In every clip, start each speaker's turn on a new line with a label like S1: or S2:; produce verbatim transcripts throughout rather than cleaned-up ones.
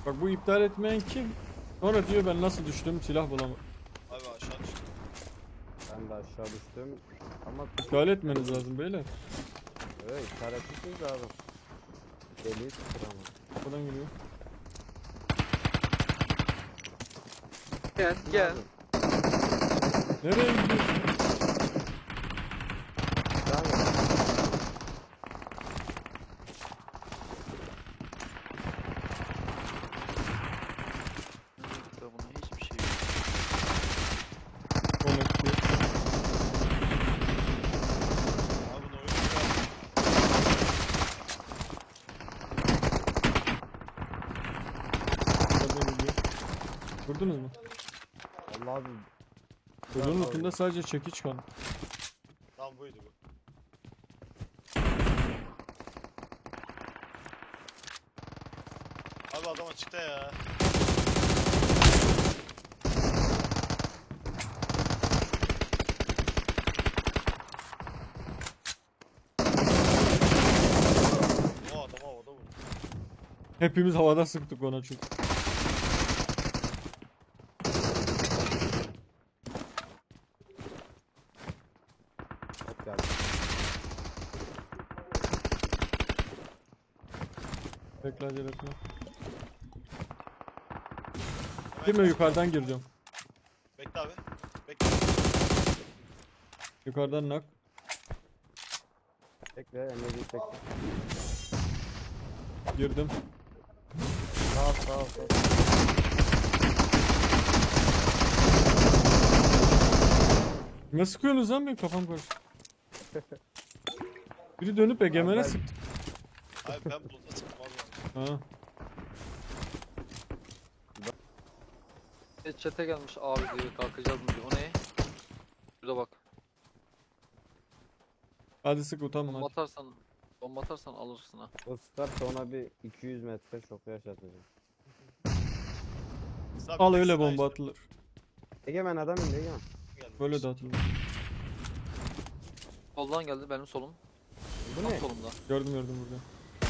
S1: Bak bu iptal etmeyen kim? Sonra diyor ben nasıl düştüm silah bulamadım.
S2: Abi aşağı düştüm.
S3: Ben de aşağı düştüm. Ama
S1: İptal etmeniz lazım beyler.
S3: evet, işaretlisiniz abi. Deliği tuttur ama.
S1: Kapıdan geliyor.
S4: Gel gel.
S1: Nereye gidiyorsun?
S3: Devam et.
S4: Bunun hiçbir şey yok.
S1: Connect diyor.
S2: Abi bunu oyun güzel.
S1: Kapıdan geliyor. Vurdunuz mu?
S3: Allah abi.
S1: Çocuğun ucunda sadece çekiç kaldı.
S2: Tam buydu bu. Abi adam açıkta ya. O adam havada vurdu.
S1: Hepimiz havada sıktık ona çünkü.
S3: Hop geldi.
S1: Bekle acele etme.
S2: Hemen
S1: Değil mi?
S2: kaç-
S1: Yukarıdan gireceğim.
S2: Bekle abi. Bekle.
S1: Yukarıdan nak.
S3: Bekle, Emre'yi bekle.
S1: Girdim.
S3: Sağ ol, sağ ol, sağ ol.
S1: Ne sıkıyorsunuz lan benim kafam karıştı. Biri dönüp egemene
S3: ben-
S1: sıktı.
S2: Abi ben buluta çıktım abi.
S1: Ha.
S4: E, Chat'e gelmiş abi diyor kalkacağız mı diyor. O ne? Şurada bak.
S1: Hadi sık utanma
S4: Bomba
S1: hadi.
S4: atarsan, bomba atarsan alırsın ha.
S3: O sıkarsa ona bir iki yüz metre çok yaşatacağım.
S2: Abi
S1: Al
S2: tek
S1: öyle
S2: sıra
S1: bomba
S2: işte.
S1: atılır.
S3: Egemen adam indi Egemen.
S2: Geldi.
S1: Böyle de atılır.
S4: Soldan geldi benim solum.
S3: Bu
S4: Tam
S3: ne?
S4: solumda.
S1: Gördüm gördüm burada.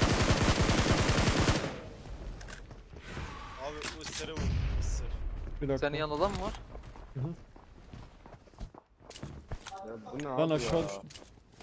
S2: Abi bu ısırı vurdu. Isır.
S1: Bir dakika.
S4: Senin yanında adam mı var?
S3: Ya bu ne
S1: Ben
S3: abi
S1: aşağı
S3: ya?
S1: düştüm.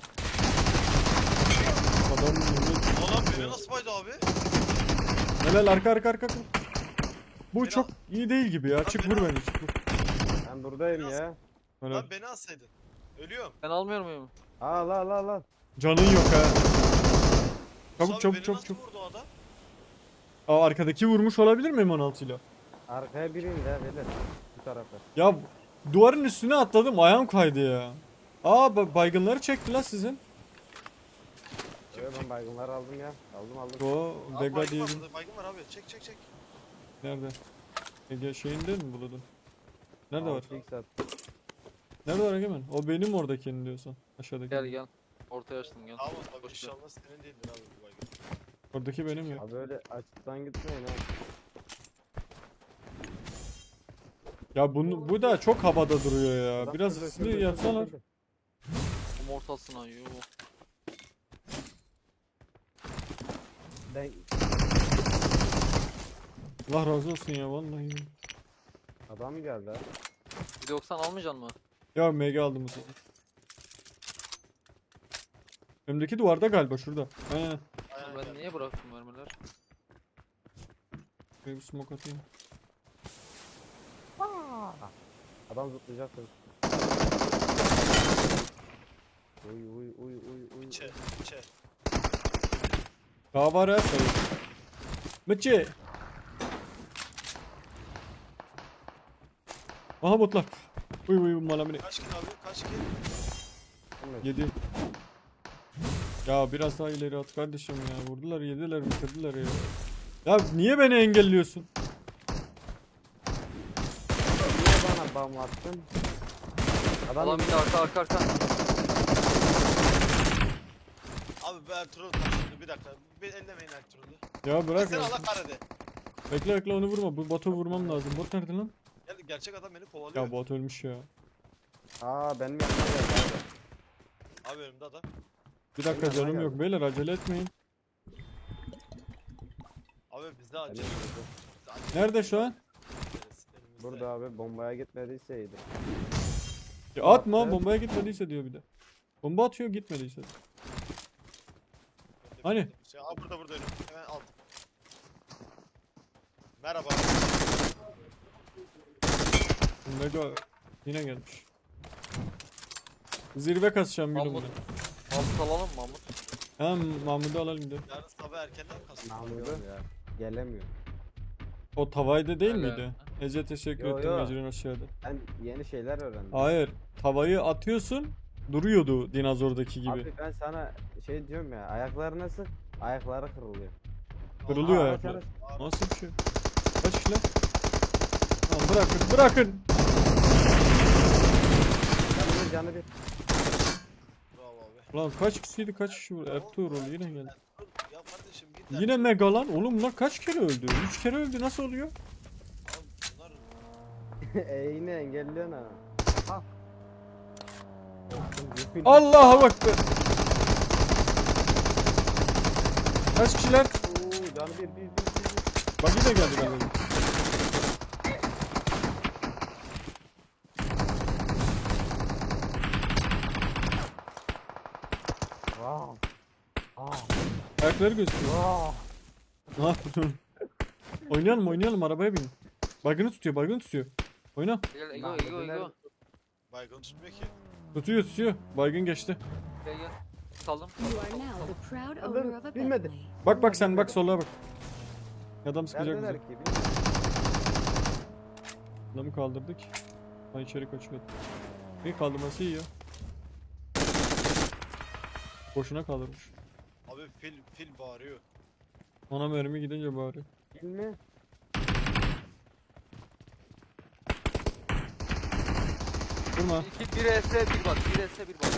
S1: Adam yürüyor.
S2: Oğlum beni nasıl baydı abi?
S1: Helal arka arka arka. Bu
S2: Beni
S1: çok
S2: al.
S1: iyi değil gibi ya.
S2: Lan
S1: Çık
S2: beni
S1: vur
S2: al.
S1: beni. Çık vur.
S3: Ben buradayım
S2: Biraz-
S3: ya.
S1: Helal.
S2: Lan beni alsaydın. Ölüyorum.
S4: Ben almıyor muyum?
S3: Al al al al.
S1: Canın yok ha. Çabuk
S2: Abi
S1: çabuk
S2: beni
S1: çabuk
S2: nasıl
S1: çabuk.
S2: vurdu o adam?
S1: Aa arkadaki vurmuş olabilir mi M on altı ile?
S3: Arkaya biri indi ha beyler. Bu tarafa.
S1: Ya duvarın üstüne atladım ayağım kaydı ya. Aa ba- baygınları çekti lan sizin.
S3: Evet ben baygınları aldım ya. Aldım aldım.
S1: O
S2: Abi
S1: Vega
S2: baygın
S1: diye
S2: var
S1: bir...
S2: burada. Baygın var abi. Çek çek çek.
S1: Nerede? Ege şeyinde mi buladın? Nerede var?
S3: altı x at.
S1: Nerede var Egemen? O benim oradakini diyorsun. Aşağıdaki.
S4: Gel gel. Ortaya açtım gel.
S2: Tamam abi
S4: Boş ver.
S2: inşallah senin değildir abi bu baygın.
S1: Oradaki benim ya.
S3: Abi öyle açıktan gitmeyin ha.
S1: Ya bunu bu da çok havada duruyor ya.
S3: Adam
S1: Biraz
S3: şurada,
S1: hızlı
S3: şurada,
S1: yapsalar.
S3: şurada.
S4: Bu mortalsın ayı.
S3: Ben
S1: Allah razı olsun ya vallahi.
S3: adam geldi ha.
S4: Bir de yoksan almayacaksın mı?
S1: Ya M G aldım bu sefer. Önümdeki duvarda galiba şurada. He.
S2: Aynen
S4: Ben
S2: geldi.
S4: niye bıraktım mermiler?
S1: Şuraya bir smoke atayım.
S3: Adam zıplayacak. Uy uy uy uy uy.
S2: İçe. İçe.
S1: Daha var ha sayı. Mıçı. Aha botlar. Uy uy malamine.
S2: Kaç kill abi? Kaç kill?
S1: Yedi. Ya biraz daha ileri at kardeşim ya. Vurdular yediler bitirdiler ya. Ya niye beni engelliyorsun?
S3: Niye bana bam attın? Adam
S4: Adam bir de arka arka arka.
S2: Abi ben Ertuğrul taşındı. Bir dakika. Bir ellemeyin Ertuğrul'u.
S1: Ya bırak
S2: Sen
S1: ya.
S2: Allah kahretsin.
S1: Bekle bekle onu vurma. Bu botu vurmam lazım. Bot nerede lan?
S2: Gel gerçek adam beni kovalıyor.
S1: Ya bot ölmüş ya.
S3: Aa benim yanıma geldi abi.
S2: Abi önümde adam.
S1: Bir dakika
S3: Benim yanıma
S1: canım yok
S3: geldi.
S1: beyler acele etmeyin.
S2: Abi bizde acil.
S3: Benim yanımda.
S1: Nerede şu an?
S2: Elimizde.
S3: Burada abi bombaya gitmediyse iyiydi.
S1: Ya atma
S3: Evet.
S1: bombaya gitmediyse diyor bir de. Bomba atıyor gitmediyse. Hani?
S2: Şey, aa, burada burada önüm. Hemen aldım. Merhaba.
S1: Mega yine gelmiş. Zirve kasacağım gülüm
S4: Mahmut.
S1: ben.
S4: Mahmut alalım mı Mahmut?
S1: Tamam Mahmut'u alalım diyor.
S2: Yarın sabah erkenden kasım.
S3: Mahmut'u gelemiyor.
S1: O tavayda değil
S4: Öyle.
S1: miydi? Ece teşekkür
S3: Yo,
S1: ettim
S3: yo.
S1: Ece'nin aşağıda.
S3: Ben yeni şeyler öğrendim.
S1: Hayır. Tavayı atıyorsun duruyordu dinozordaki gibi.
S3: Abi ben sana şey diyorum ya, ayaklarına sık, ayakları kırılıyor.
S1: Kırılıyor
S3: Aa,
S1: ayaklar.
S3: araç, araç.
S1: Nasıl bir şey? Kaç kişi lan? Tamam bırakın bırakın.
S3: Canı bir, canı bir.
S2: Bravo abi.
S1: Lan kaç kişiydi kaç kişi vurdu? Ertuğrul yine geldi.
S2: Ya kardeşim git.
S1: Yine mega lan. Oğlum lan kaç kere öldü? üç kere öldü nasıl oluyor?
S2: Abi bunlar
S3: e yine engelliyorsun ha. Ha.
S1: Allah'a bak be. Kaç kişiler?
S3: Oo, canı bir, bir, bir, bir, bir.
S1: Bak yine geldi galiba.
S3: Wow. Aa.
S1: Ayakları gözüküyor.
S3: Wow.
S1: Ne yapıyorsun? Oynayalım oynayalım arabaya bin. Baygını tutuyor baygını tutuyor. Oyna.
S4: Gel Ego
S3: Mahmut'u
S4: Ego Ego.
S3: nerede-
S2: baygın tutmuyor ki.
S1: Tutuyor tutuyor. Baygın geçti.
S4: Gel gel. Saldım.
S5: You are now the proud owner of a
S3: Bilmedi.
S5: Bentley.
S1: Bak bak sen bak sola bak. Adam sıkacak
S3: Neredeler
S1: bizi.
S3: ki? Bilmiyorum.
S1: Adamı kaldırdık. Ha içeri kaçıyor. İyi kaldırması iyi ya. Boşuna kaldırmış.
S2: Abi fil fil bağırıyor.
S1: Ona mermi gidince bari.
S3: Bilmi.
S1: Durma.
S4: İki, bir S bir bak. Bir S bir bak.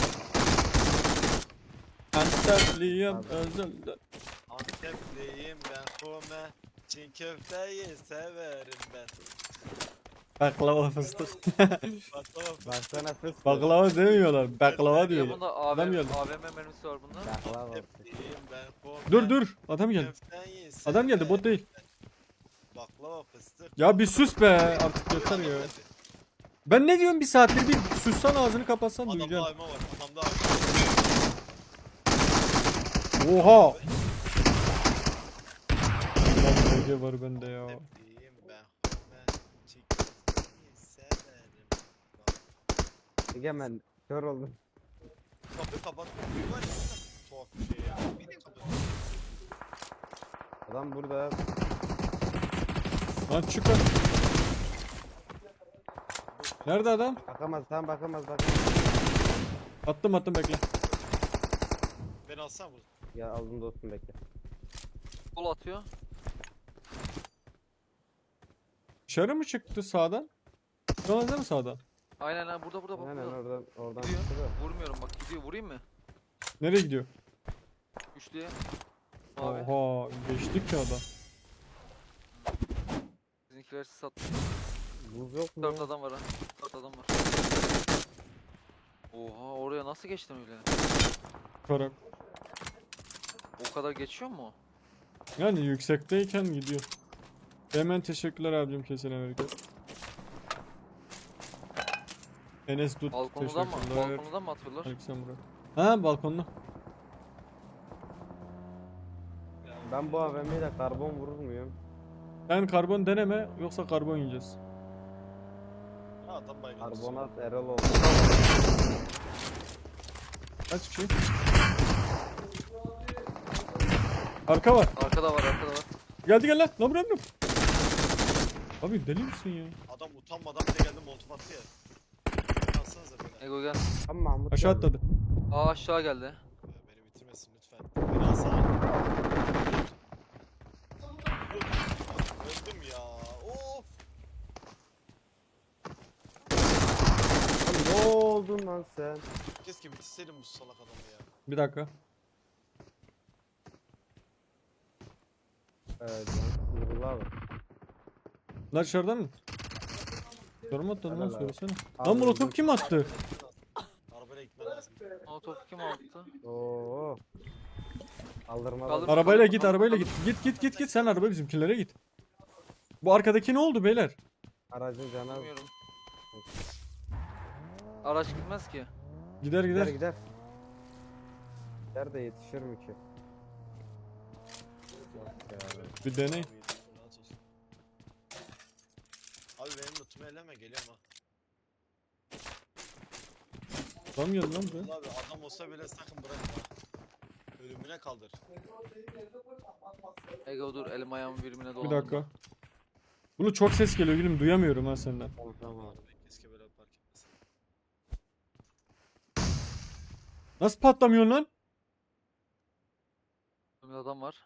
S1: Antalya'm
S3: Abi.
S1: özelde.
S2: Antepliyim ben kome. Çin köfteyi severim ben.
S1: Baklava fıstık.
S2: Baklava
S3: Baksana fıs.
S1: Baklava demiyorlar. Baklava
S4: Ya
S1: diyorlar.
S4: bunda
S1: Adam
S4: A V M,
S1: geldi.
S4: A V M mermisi var bunda.
S3: Baklava.
S2: Antepliyim ben kome.
S1: Dur dur. Adam geldi.
S2: Köfteyi
S1: Adam geldi bot
S2: severim
S1: değil.
S2: ben. Baklava fıstık.
S1: Ya bir sus be artık yeter ya. Ben ne diyorum bir saattir bir sussan ağzını kapatsan
S2: Adamda
S1: duyacaksın.
S2: ayma var. Adamda ayma var.
S1: Oha. Lan Ege var bende ya.
S2: Antepliyim ben kome. Çin köfteyi severim. Bak,
S3: Egemen kör oldum.
S2: Kapıyı kapatmak gibi var ya. Tuhaf bir şey ya. Bir de kapat.
S3: Adam burada.
S1: Lan çık lan. Nerede adam?
S3: Bakamaz, tam bakamaz, bakamaz.
S1: Attım attım bekle.
S2: Beni alsana burada.
S3: Ya aldım dostum, bekle.
S4: Sol atıyor.
S1: Dışarı mı çıktı sağdan? Sağdan mi sağdan?
S4: Aynen aynen burada burada bak
S3: Aynen
S4: burada.
S3: oradan, oradan
S4: Gidiyor.
S3: çıktı da.
S4: Vurmuyorum bak gidiyor. Vurayım mı?
S1: Nereye gidiyor?
S4: Üçlüye. Abi.
S1: Oha geçtik ya adam.
S4: Bizimkiler sattı.
S3: Buz yok mu?
S4: Dört adam var ha. Dört adam var. Oha oraya nasıl geçtim öyle?
S1: Karak.
S4: O kadar geçiyor mu?
S1: Yani yüksekteyken gidiyor. Hemen teşekkürler abicim kesin Amerika. Enes Dut
S4: Balkondan mı?
S1: teşekkürler.
S4: Balkondan mı atıyorlar?
S1: Aleyküm Burak. Ha balkonda.
S3: Ben bu A V M'yle karbon vurur muyum?
S1: Ben karbon deneme yoksa karbon yiyeceğiz.
S2: Ha adam baygın.
S3: Karbonat Erol oldu.
S1: Kaç kişi? Arka var.
S4: Arkada var arkada var.
S1: Geldi gel lan. Lan bırakın. Abi deli misin ya?
S2: Adam utanmadan bile geldi molotof attı ya. Alsanıza beni.
S4: Ego gel.
S3: Tam Mahmut
S1: Aşağı
S3: geldi.
S1: atladı.
S4: Aa aşağı geldi.
S2: Beni bitirmesin lütfen. Beni alsana. Öldüm ya. Of.
S3: Lan ne oldun lan sen?
S2: Keşke bitirseydim bu salak adamı ya.
S1: Bir dakika.
S3: Evet lan. Nurullah abi.
S1: Lan dışarıdan mı? Sorma attın lan
S3: Helal abi.
S1: söylesene.
S3: Abi
S1: Lan molotof
S3: öldüm.
S1: kim attı?
S2: Arabayla gitmen lazım.
S4: Molotof kim aldı?
S3: Oo. Kaldırma.
S4: Kaldır-
S1: Arabayla git arabayla git. Git git git git sen araba bizimkilere git. Bu arkadaki ne oldu beyler?
S3: Aracın canı
S4: Bilmiyorum. Araç gitmez ki.
S1: Gider
S3: gider
S1: gider.
S3: gider. Gider de yetişir mi ki? Yok ya.
S1: Bir deney.
S2: Abi, rahat olsun. Abi benim lootumu elleme, geliyorum ha.
S1: Tam geldi lan buraya.
S2: Abi adam olsa bile sakın bırakma. Ölümüne kaldır.
S4: Ego dur elim ayağım birbirine
S1: Bir
S4: dolandı.
S1: dakika. Bunu çok ses geliyor gülüm, duyamıyorum ha senden.
S3: Tamam tamam.
S2: Abi keşke böyle fark etmesin.
S1: Nasıl patlamıyorsun lan?
S4: Önümde adam var.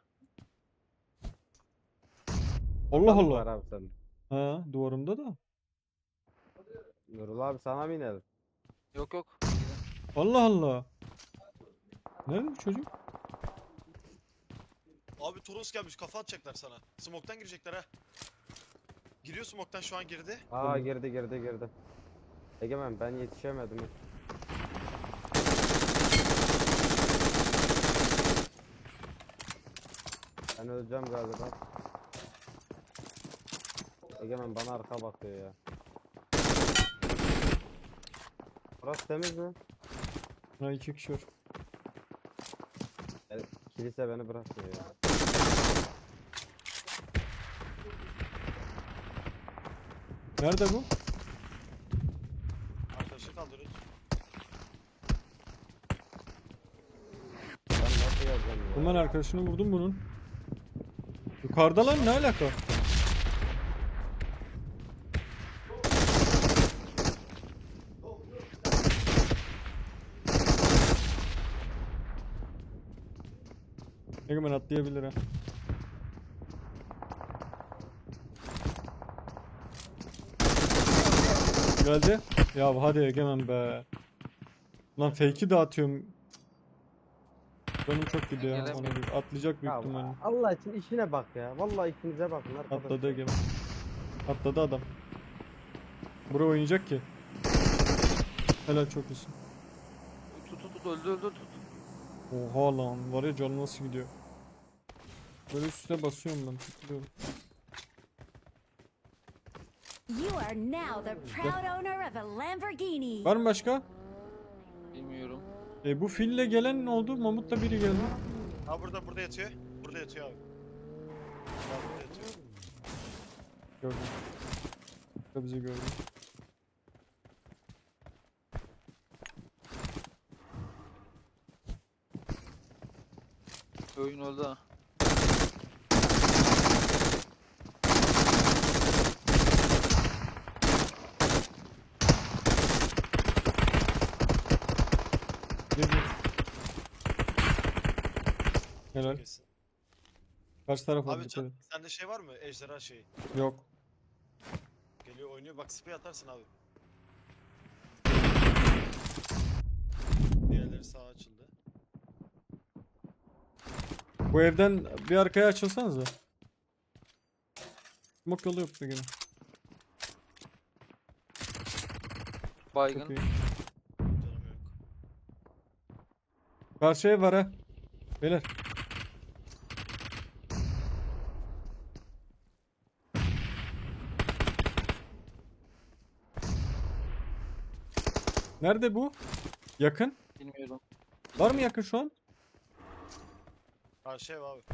S1: Allah
S3: Adam Var
S1: Allah.
S3: abi senin.
S1: Ha, duvarımda da.
S3: Nurul abi sana mı inelim?
S4: Yok yok. Gidin.
S1: Allah Allah. Nerede bu çocuk?
S2: Abi Toros gelmiş, kafa atacaklar sana. Smoke'tan girecekler ha. Giriyor smoke'tan, şu an girdi.
S3: Aa girdi girdi girdi. Egemen ben yetişemedim. Ben öleceğim galiba. Egemen bana arka bakıyor ya. Burası temiz mi?
S1: Ha, iki kişi var.
S3: Yani kilise beni bırakmıyor ya.
S1: Nerede bu?
S2: Arkadaşı kaldırır.
S3: Ben nasıl geleceğim ya?
S1: Bundan arkadaşını vurdum bunun. Yukarıda lan, ne alaka? Egemen atlayabilir ha. Geldi. Ya hadi Egemen be. Lan fake'i dağıtıyorum. Benim çok gidiyor ya. Ona bir atlayacak büyük
S3: Ya
S1: ihtimalle.
S3: Allah için işine bak ya. Vallahi ikinize bakın arkadaşlar.
S1: Atladı Egemen. Atladı adam. Buraya oynayacak ki. Helal, çok iyisin.
S4: Tut tut tut öldü öldü tut.
S1: Oha lan, var ya canım nasıl gidiyor. Böyle üstüne basıyorum ben, tıklıyorum.
S5: You are now the proud owner of a Lamborghini.
S1: Var mı başka?
S4: Bilmiyorum.
S1: E bu fille gelen ne oldu? Mamut'la biri geldi.
S2: Ha burada, burada yatıyor. Burada yatıyor abi. Abi burada yatıyor.
S1: Gördüm. Bu da bizi gördü.
S4: Oyun öldü ha.
S1: Bir bir. Helal.
S2: Kesin.
S1: Karşı taraf
S2: Abi
S1: oldu.
S2: can, sende şey var mı? Ejderha şeyi.
S1: Yok.
S2: Geliyor oynuyor, bak spray atarsın abi. Diğerleri sağa açıldı.
S1: Bu evden bir arkaya açılsanıza. Smoke yolu yok bugün. Çok
S4: Baygın.
S1: iyi.
S2: Canım yok.
S1: Karşı ev var ha. Beyler. Nerede bu? Yakın.
S4: Bilmiyorum.
S1: Var mı yakın şu an?
S2: Ha şey abi.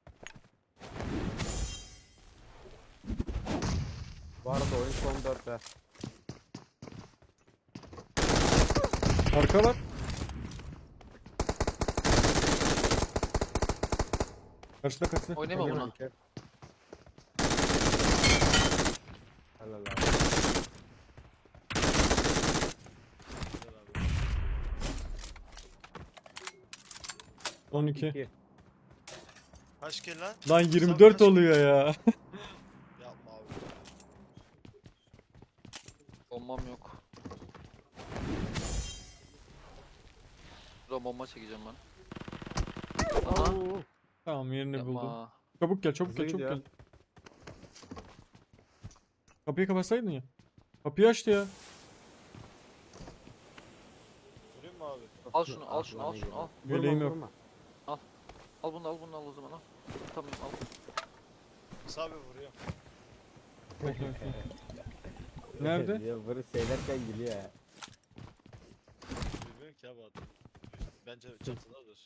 S3: Bu arada oyun son dörtte.
S1: Arka var. Karşıda karşıda.
S4: Oynayma
S3: Egemen
S4: buna.
S3: iki. Helal abi.
S2: Güzel abi.
S1: on iki.
S3: İki.
S2: Kaç kill lan?
S1: Lan yirmi dört oluyor ya.
S2: Yapma abi.
S4: Bombam yok. Şurada bomba çekeceğim ben. Aha.
S3: Oo.
S1: Tamam, yerini buldum.
S4: Yapma.
S1: Çabuk gel, çabuk
S3: Hızlı
S1: gel, çabuk
S3: gidiyor.
S1: gel. Kapıyı kapatsaydın ya. Kapıyı açtı ya.
S2: Vurayım mı abi?
S4: Al şunu al şunu al şunu al.
S3: Vurma,
S1: Yeleğim yok.
S3: vurma.
S4: Al bunu al bunu al o zaman al. Tamam al.
S2: Musa abi vuruyor.
S1: Nerede?
S3: Ya bunu söylerken gülüyor ya.
S2: Bilmiyorum ki abi adam. Bence çatıdadır.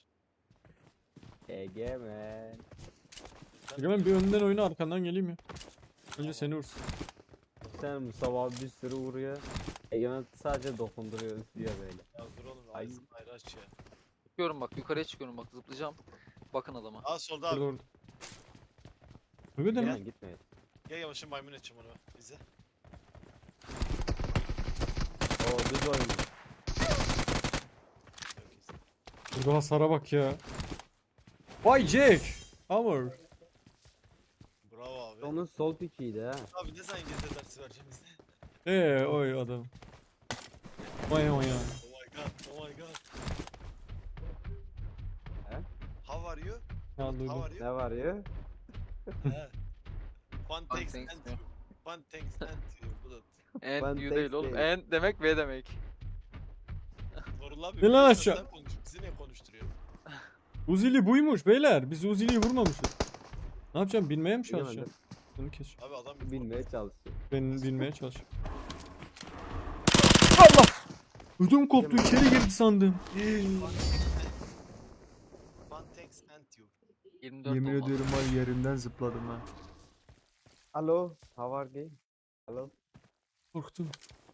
S3: Egemen.
S1: Egemen bir önden oyna arkandan geleyim ya. Önce seni vursun.
S3: Sen Mustafa abi bir sürü vuruyor. Egemen sadece dokunduruyor diyor böyle.
S2: Ya dur oğlum
S3: Ay.
S2: ağzını ayrı aç ya.
S4: Çıkıyorum bak yukarıya çıkıyorum bak zıplayacağım. Bakın adama.
S2: Aa solda
S1: Burada
S2: abi.
S1: orada. Öyle de mi?
S3: Egemen gitme.
S2: Gel yavaşın maymun edeceğim onu. İzle.
S3: Oo düz oynuyor.
S2: Yok, izle.
S1: Burada hasara bak ya. Vay Jack. Hammer.
S2: Bravo abi.
S3: Onun sol pikiydi ha.
S2: Abi ne zaman İngilizce dersi vereceğim bize?
S1: Eee oy adam. Vay vay ya.
S2: Oh my god, oh my god.
S3: He?
S2: How are you?
S1: Ya
S2: How
S1: duydum.
S2: are you?
S3: Ne var ya?
S2: He. Fun thanks
S4: thanks
S2: and
S4: diyor.
S2: you. Fun thanks and you. Bu da
S4: And
S3: Ben
S4: you
S3: tek
S4: değil oğlum.
S3: değil.
S4: And demek ve demek.
S2: Nurullah abi.
S1: Ne lan
S2: biliyorsan
S1: aşağı?
S2: sen konuş, bizi niye konuşturuyor?
S1: Uzili buymuş beyler. Biz Uzili'yi vurmamışız. Ne yapacağım? Binmeye mi
S3: Bilemedim.
S1: çalışacağım? Bunu kes.
S2: Abi adam bir
S3: Bilmeye çalışıyor.
S1: Ben binmeye çalışıyorum. Allah! Ödüm koptu. İçeri girdi sandım.
S2: Fun thanks and you.
S4: yirmi dört
S1: Yemin
S4: olmaz.
S1: ediyorum var yerimden zıpladım ha.
S3: Alo. How are you? Alo.
S1: Korktum.